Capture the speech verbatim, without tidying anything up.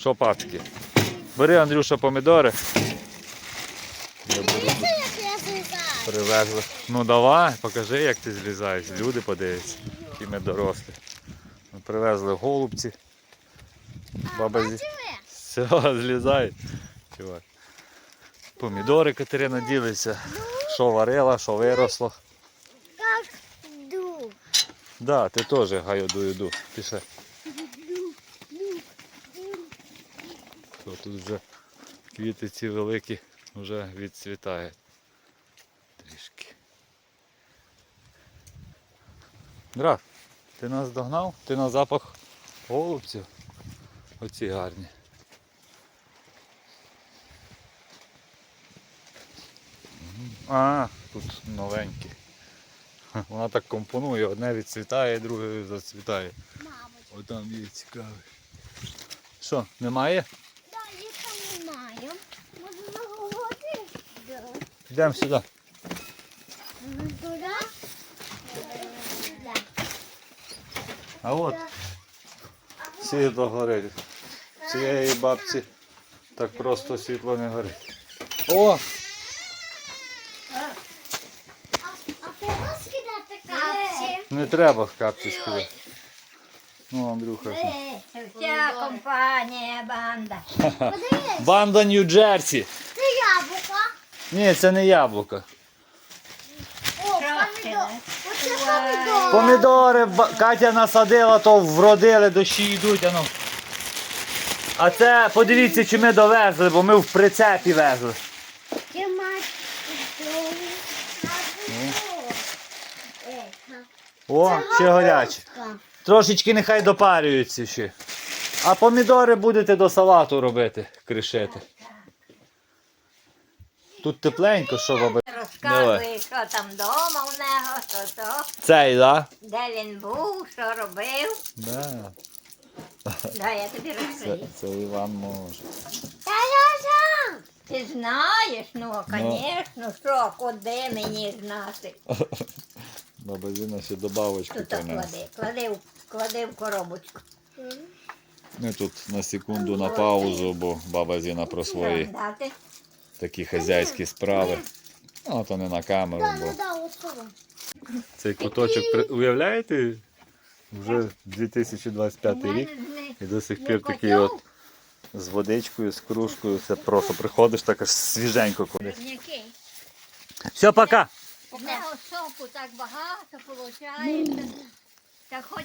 Що пачки? Бери, Андрюша, помідори. Дивіться, як я злізаю. Привезли. Ну давай, покажи, як ти злізаєш. Люди подивляться, які ми дорослі. Ми привезли голубці. Баба зі... Бачили? Все, злізай. Чувак. Помідори Катерина ділиться. Що варила, що виросло. Як ду. Да, ти теж гаю ду йду. Пішли. То тут вже квіти ці великі вже відцвітають. Трішки. Граф, ти нас догнав? Ти на запах голубців? Оці гарні. А, тут новенькі. Вона так компонує, одне відцвітає, друге зацвітає. Мабуть. Ось там є цікавий. Що, немає? Так, їх там немає. Може наговорити? Да. Йдемо сюди. Туди? Туди. А от світло горить. Цієї бабці так просто світло не горить. О! А треба скидати капці? Не треба в капці скидати. Ну, Андрюха. Вся компанія, банда. Подивись, Банда Нью-Джерсі. це яблука. Ні, це не яблука. О, помідор. Оце помідор. Помідори ба- Катя насадила, то вродили, дощі йдуть. А, ну. А це, подивіться, чи ми довезли, бо ми в прицепі везли. Ти маєш О, ще гарячі. Трошечки нехай допарюються ще. А помідори будете до салату робити, кришити. Тут тепленько, що баба? Розказує, що там вдома у нього, що то, Цей, да? де він був, що робив. Да. Дай я тобі Це, розкажу. це Іван може. Та-я-я! Ти знаєш, ну, звісно, що, куди мені знати. Баба Зіна ще добавочку Тут принесла. клади, клади, в- клади в коробочку. Ми тут на секунду на паузу, бо баба Зіна про свої Дати. такі хазяйські справи. Ну, то не на камеру, Да, бо да, да, ось цього. цей куточок, при- уявляєте, вже дві тисячі двадцять п'ятий рік і до сих пір такий от з водичкою, з кружкою, це просто приходиш так аж свіженько кудись. Який? Все, пока! У нього сопу так багато виходить. Та хоч